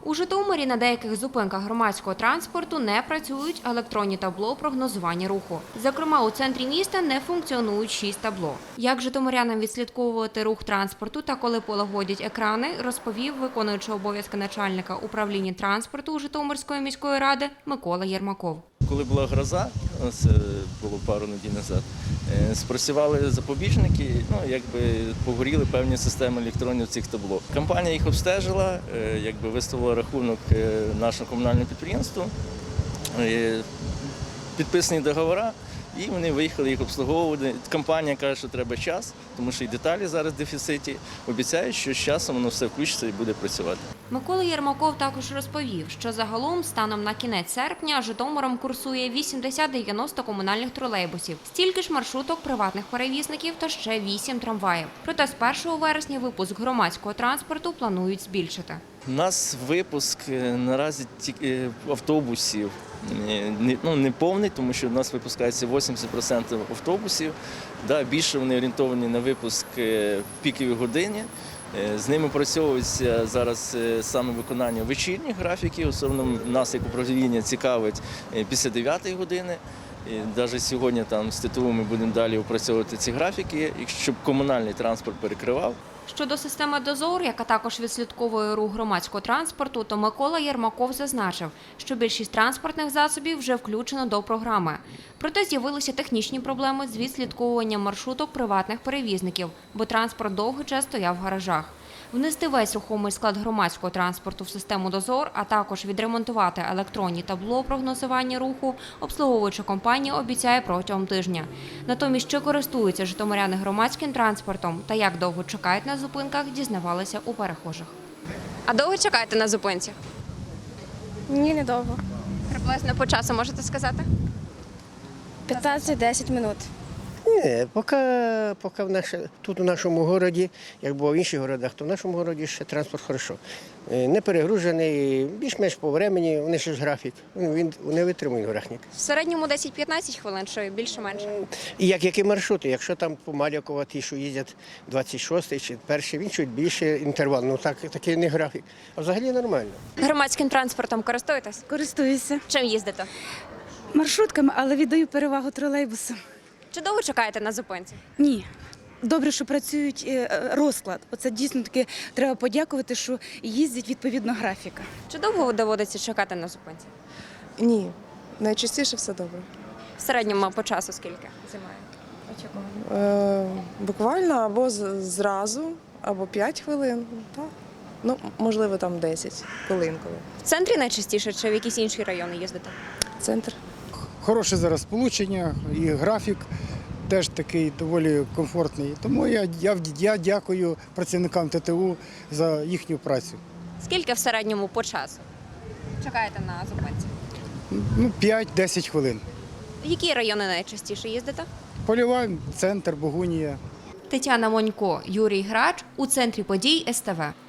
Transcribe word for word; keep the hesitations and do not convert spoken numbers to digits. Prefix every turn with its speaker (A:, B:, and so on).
A: У Житомирі на деяких зупинках громадського транспорту не працюють електронні табло прогнозування руху. Зокрема, у центрі міста не функціонують шість табло. Як житомирянам відслідковувати рух транспорту та коли полагодять екрани, розповів виконуючий обов'язки начальника управління транспорту Житомирської міської ради Микола Єрмаков.
B: Коли була гроза, це було пару неділь назад, спрацювали запобіжники, ну, якби погоріли певні системи електронних цих табло. Компанія їх обстежила, якби виставила рахунок нашому комунальному підприємству, підписані договори, і вони виїхали їх обслуговувати. Компанія каже, що треба час, тому що і деталі зараз в дефіциті. Обіцяють, що з часом воно все включиться і буде працювати.
A: Микола Єрмаков також розповів, що загалом станом на кінець серпня Житомиром курсує вісімдесят-дев'яносто комунальних тролейбусів, стільки ж маршруток приватних перевізників та ще вісім трамваїв. Проте з першого вересня випуск громадського транспорту планують збільшити.
B: У нас випуск наразі тільки автобусів не, ну, не повний, тому що у нас випускається вісімдесят відсотків автобусів. Да, більше вони орієнтовані на випуск в пікові години. З ними працьовується зараз саме виконання вечірніх графіків. Особливо нас, як управління, цікавить після дев'ятої години. І навіть сьогодні там з ТТУ ми будемо далі опрацьовувати ці графіки, щоб комунальний транспорт перекривав.
A: Щодо системи «Дозор», яка також відслідковує рух громадського транспорту, то Микола Єрмаков зазначив, що більшість транспортних засобів вже включено до програми. Проте з'явилися технічні проблеми з відслідковуванням маршруток приватних перевізників, бо транспорт довгий час стояв в гаражах. Внести весь рухомий склад громадського транспорту в систему «Дозор», а також відремонтувати електронні табло прогнозування руху, обслуговуюча компанія обіцяє протягом тижня. Натомість, чи користуються житомиряни громадським транспортом та як довго чекають на зупинках, дізнавалися у перехожих. А довго чекаєте на зупинці?
C: Ні, недовго.
A: Приблизно по часу можете сказати?
C: п'ятнадцять-десять минут.
D: Ні, поки, поки в наш, тут у нашому місті, як було в інших містах, то в нашому місті ще транспорт хорошо. Не перегружений, більш-менш по времени, вони ще ж графік, він не витримує графік.
A: В середньому десять-п'ятнадцять хвилин, що більше-менше.
D: І як які маршрути, якщо там по Малякова ті, що їздять двадцять шостий чи перший, він чуть більше інтервал, ну так, такий не графік. А взагалі нормально.
A: Громадським транспортом користуєтесь?
C: Користуюся
A: Чим їздите?
C: маршрутками, але віддаю перевагу тролейбусу.
A: Чи довго чекаєте на зупинці?
C: Ні. Добре, що працюють е, розклад. Оце дійсно таки треба подякувати, що їздять відповідно графіка.
A: Чи довго доводиться чекати на зупинці?
E: Ні, найчастіше все добре.
A: В середньому по часу скільки займає очікування?
E: Е, буквально або з- зразу, або п'ять хвилин. Так. Ну, можливо, там десять хвилин. Коли.
A: В центрі найчастіше чи в якісь інші райони їздите?
E: Центр.
F: Хороше зараз сполучення і графік теж такий доволі комфортний. Тому я, я, я дякую працівникам ТТУ за їхню працю.
A: Скільки в середньому по часу чекаєте на зупинці?
F: Ну, п'ять-десять хвилин.
A: В які райони найчастіше їздите?
F: Польова, центр, Богунія.
A: Тетяна Монько, Юрій Грач. У центрі подій ес те ве.